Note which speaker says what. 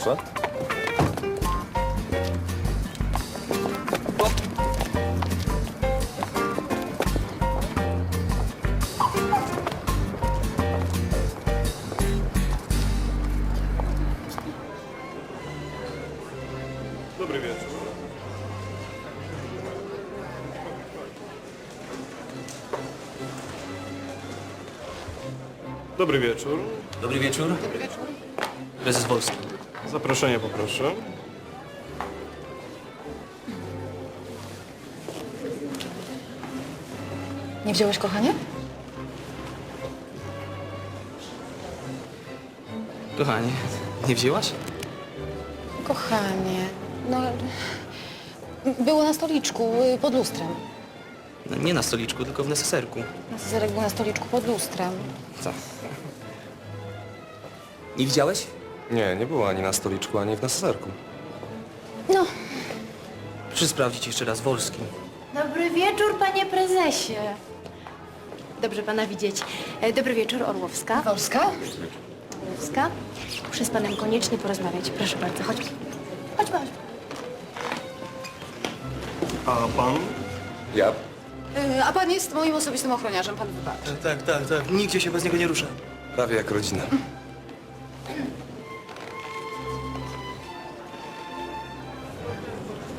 Speaker 1: proszę. Dobry wieczór. Dobry wieczór.
Speaker 2: Dobry wieczór.
Speaker 3: Dobry wieczór.
Speaker 2: Prezes Wolski.
Speaker 1: Zaproszenie poproszę.
Speaker 3: Nie wziąłeś, kochanie?
Speaker 2: Kochanie, nie wzięłaś?
Speaker 3: Kochanie, no... Było na stoliczku, pod lustrem.
Speaker 2: No, nie na stoliczku, tylko w neseserku.
Speaker 3: Cezarek był na stoliczku pod lustrem.
Speaker 2: Co? Nie widziałeś?
Speaker 1: Nie, nie było ani na stoliczku, ani w neseserku.
Speaker 3: No,
Speaker 2: Proszę sprawdzić jeszcze raz Wolski.
Speaker 4: Dobry wieczór, panie prezesie. Dobrze pana widzieć. Dobry wieczór, Orłowska.
Speaker 3: Polska?
Speaker 4: Orłowska. Muszę z panem koniecznie porozmawiać. Proszę bardzo, chodź. Chodźmy, chodźmy.
Speaker 1: A pan?
Speaker 5: Ja?
Speaker 3: A pan jest moim osobistym ochroniarzem, pan wybaczy.
Speaker 2: Tak. Nigdzie się bez niego nie ruszę.
Speaker 5: Prawie jak rodzina.